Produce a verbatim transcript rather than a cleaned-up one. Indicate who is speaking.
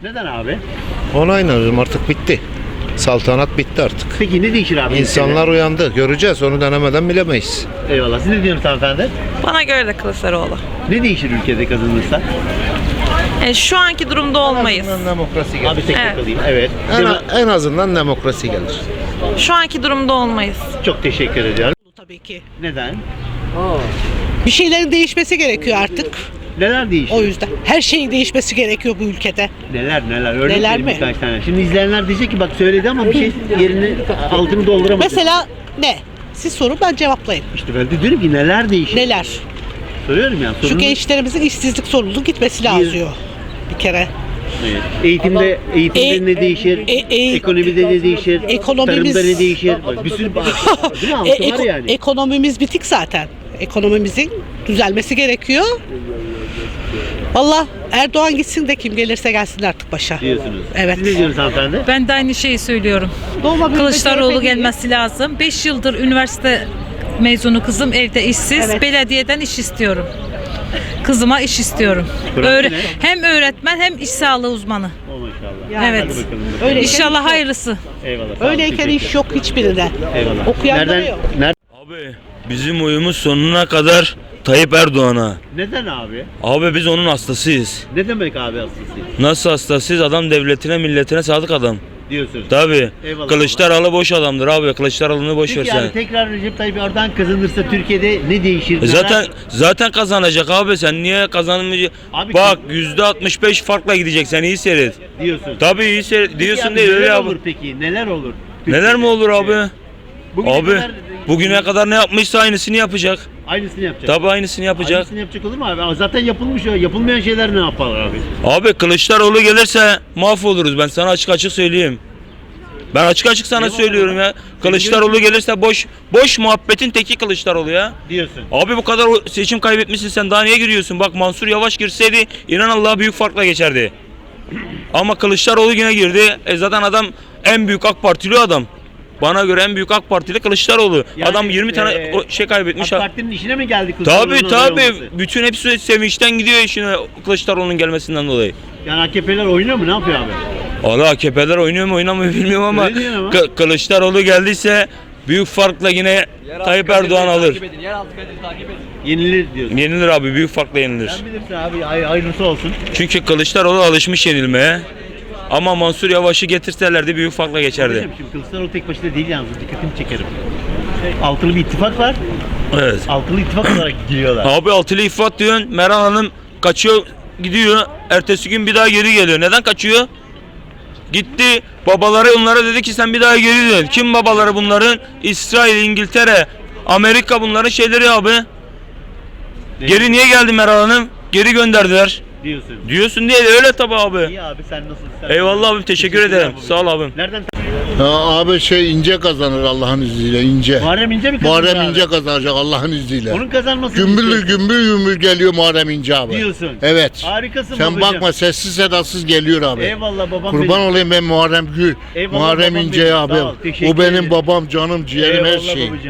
Speaker 1: Neden abi?
Speaker 2: Ona inanıyorum, artık bitti. Saltanat bitti artık.
Speaker 1: Peki ne değişir abi?
Speaker 2: İnsanlar uyandı. Göreceğiz. Onu denemeden bilemeyiz.
Speaker 1: Eyvallah. Siz ne diyorsunuz hanımefendi?
Speaker 3: Bana göre de Kılıçdaroğlu.
Speaker 1: Ne değişir ülkede kazanırsa?
Speaker 3: E, şu anki durumda olmayız.
Speaker 2: En azından demokrasi gelir.
Speaker 1: Abi tek
Speaker 3: Evet.
Speaker 1: kalayım. Evet.
Speaker 2: En, en azından demokrasi gelir.
Speaker 3: Şu anki durumda olmayız.
Speaker 1: Çok teşekkür ediyorum.
Speaker 4: Tabii ki.
Speaker 1: Neden?
Speaker 4: Bir şeylerin değişmesi gerekiyor artık.
Speaker 1: Neler değişir?
Speaker 4: O yüzden her şeyin değişmesi gerekiyor bu ülkede.
Speaker 1: Neler neler? Örnek
Speaker 4: Neler
Speaker 1: vereyim
Speaker 4: mi?
Speaker 1: birkaç tane. Şimdi izleyenler diyecek ki bak söyledi ama bir şey yerini altını dolduramadı.
Speaker 4: Mesela ne? Siz sorun, ben cevaplayayım.
Speaker 1: İşte ben de diyorum ki neler değişir?
Speaker 4: Neler?
Speaker 1: Soruyorum ya.
Speaker 4: Şu
Speaker 1: sorunu-
Speaker 4: gençlerimizin işsizlik sorununun gitmesi lazım. Bir kere.
Speaker 1: Evet. Eğitimde, eğitimde
Speaker 4: E-
Speaker 1: ne değişir?
Speaker 4: e- e-
Speaker 1: Ekonomide ne değişir?
Speaker 4: Ekonomimiz-
Speaker 1: Tarımda ne değişir? Bak, bir sürü değil mi?
Speaker 4: E,
Speaker 1: Altı var
Speaker 4: eko-
Speaker 1: yani.
Speaker 4: Ekonomimiz bitik zaten. Ekonomimizin düzelmesi gerekiyor. Valla Erdoğan gitsin de kim gelirse gelsin artık başa.
Speaker 1: Diyorsunuz.
Speaker 4: Evet.
Speaker 1: Siz ne diyorsunuz hanımefendi?
Speaker 5: Ben de aynı şeyi söylüyorum.
Speaker 4: Doğma büyüme
Speaker 5: Kılıçdaroğlu
Speaker 4: C H P değil.
Speaker 5: gelmesi lazım. beş yıldır üniversite mezunu kızım evde işsiz.
Speaker 4: Evet.
Speaker 5: Belediyeden iş istiyorum. Kızıma iş istiyorum.
Speaker 1: Bıraktı
Speaker 5: Öğre-
Speaker 1: ne?
Speaker 5: hem öğretmen hem iş sağlığı uzmanı.
Speaker 1: O maşallah.
Speaker 4: Yani.
Speaker 5: Evet.
Speaker 1: Hadi bakalım.
Speaker 4: Öyle
Speaker 5: İnşallah hayırlısı.
Speaker 1: Eyvallah. sağ olun,
Speaker 4: Öyleyken
Speaker 1: teşekkür
Speaker 4: iş yok hiçbirinde.
Speaker 1: Eyvallah.
Speaker 4: Okuyanları
Speaker 1: Nereden,
Speaker 4: yok.
Speaker 1: ner-
Speaker 6: Abi bizim oyumuz sonuna kadar Tayyip Erdoğan'a.
Speaker 1: Neden abi?
Speaker 6: Abi biz onun hastasıyız.
Speaker 1: Ne demek abi hastası?
Speaker 6: Nasıl hastasıyız? Adam devletine milletine sadık adam.
Speaker 1: Diyorsunuz.
Speaker 6: Tabi.
Speaker 1: Eyvallah.
Speaker 6: Kılıçdaroğlu boş adamdır abi. Kılıçdaroğlu'nu boş ver
Speaker 1: Peki
Speaker 6: sen.
Speaker 1: yani tekrar Recep Tayyip Erdoğan kazanırsa Türkiye'de ne değişir?
Speaker 6: E
Speaker 1: Neler-
Speaker 6: Zaten zaten kazanacak abi, sen niye kazanmayacak?
Speaker 1: Abi
Speaker 6: Bak
Speaker 1: kim-
Speaker 6: yüzde altmış beş farkla gidecek, sen iyi seyret.
Speaker 1: diyorsun.
Speaker 6: Tabi iyi seyret
Speaker 1: Peki
Speaker 6: diyorsun
Speaker 1: abi
Speaker 6: değil
Speaker 1: neler
Speaker 6: öyle
Speaker 1: olur
Speaker 6: abi.
Speaker 1: peki? Neler olur?
Speaker 6: Neler mi olur abi?
Speaker 1: Evet. Bugüne
Speaker 6: Abi
Speaker 1: kadar-
Speaker 6: bugüne kadar ne yapmışsa aynısını yapacak.
Speaker 1: Aynısını yapacak.
Speaker 6: Tabi aynısını yapacak.
Speaker 1: Aynısını yapacak olur mu abi? Ama zaten yapılmış o. Yapılmayan şeyler ne yaparlar abi?
Speaker 6: Abi Kılıçdaroğlu gelirse mahvoluruz, ben sana açık açık söyleyeyim. Ben açık açık sana
Speaker 1: Eyvallah.
Speaker 6: söylüyorum ya. Kılıçdaroğlu gelirse boş boş muhabbetin teki Kılıçdaroğlu ya.
Speaker 1: Diyorsun.
Speaker 6: Abi bu kadar o- seçim kaybetmişsin, sen daha niye giriyorsun? Bak Mansur Yavaş girseydi inan Allah büyük farkla geçerdi. Ama Kılıçdaroğlu yine girdi. E zaten adam en büyük AK Partili adam. Bana göre en büyük AK Partili Kılıçdaroğlu.
Speaker 1: Yani,
Speaker 6: adam yirmi tane
Speaker 1: e,
Speaker 6: o- şey kaybetmiş.
Speaker 1: AK Parti'nin işine mi geldi Kılıçdaroğlu'nun
Speaker 6: Tabi
Speaker 1: aday
Speaker 6: tabi.
Speaker 1: olması?
Speaker 6: Bütün hepsi sevinçten gidiyor işine Kılıçdaroğlu'nun gelmesinden dolayı.
Speaker 1: Yani A K P'ler oynuyor mu? Ne yapıyor abi?
Speaker 6: Valla A K P'ler oynuyor mu oynamıyor bilmiyorum ama,
Speaker 1: Öyle diyorsun ama.
Speaker 6: Kı- Kılıçdaroğlu geldiyse büyük farkla yine Tayyip Erdoğan alır.
Speaker 1: Yenilir diyorsun.
Speaker 6: Yenilir abi, büyük farkla yenilir.
Speaker 1: Sen bilirsin abi. Hay- hayırlısı olsun.
Speaker 6: Çünkü Kılıçdaroğlu alışmış yenilmeye. Ama Mansur Yavaş'ı getirselerdi büyük farkla geçerdi.
Speaker 1: Kardeşim, şimdi Kılıçdaroğlu tek başına değil yalnız. Dikkatimi çekerim. Altılı bir ittifak var.
Speaker 6: Evet.
Speaker 1: Altılı ittifak olarak giriyorlar.
Speaker 6: Abi altılı ifat diyorsun, Meral Hanım kaçıyor gidiyor. Ertesi gün bir daha geri geliyor. Neden kaçıyor? Gitti. Babaları onlara dedi ki sen bir daha geri dön. Kim babaları bunların? İsrail, İngiltere, Amerika, bunların şeyleri abi. Geri niye geldi Meral Hanım? Geri gönderdiler.
Speaker 1: Diyorsun.
Speaker 6: Diyorsun diye de öyle tabi abi.
Speaker 1: İyi abi sen nasılsın? Sen
Speaker 6: Eyvallah abi, teşekkür
Speaker 1: Teşekkürler
Speaker 6: ederim.
Speaker 1: babacığım.
Speaker 6: Sağ ol abim.
Speaker 1: Nereden?
Speaker 2: Ya abi şey İnce kazanır Allah'ın izniyle, İnce.
Speaker 1: Muharrem İnce mi kazanır
Speaker 2: Muharrem
Speaker 1: abi?
Speaker 2: İnce kazanacak Allah'ın izniyle.
Speaker 1: Onun kazanması
Speaker 2: Gümbür gümbür gümbür geliyor Muharrem İnce abi.
Speaker 1: Diyorsun.
Speaker 2: Evet.
Speaker 1: Harikasın
Speaker 2: Sen
Speaker 1: babacığım.
Speaker 2: bakma, sessiz sedasız geliyor abi.
Speaker 1: Eyvallah babam
Speaker 2: Kurban
Speaker 1: benim.
Speaker 2: olayım ben Muharrem Gül.
Speaker 1: Eyvallah
Speaker 2: Muharrem
Speaker 1: babam
Speaker 2: İnce
Speaker 1: benim,
Speaker 2: abi.
Speaker 1: sağ ol, teşekkür
Speaker 2: O benim
Speaker 1: ederim.
Speaker 2: babam, canım, ciğerim, her
Speaker 1: Eyvallah
Speaker 2: şeyim.
Speaker 1: babacığım.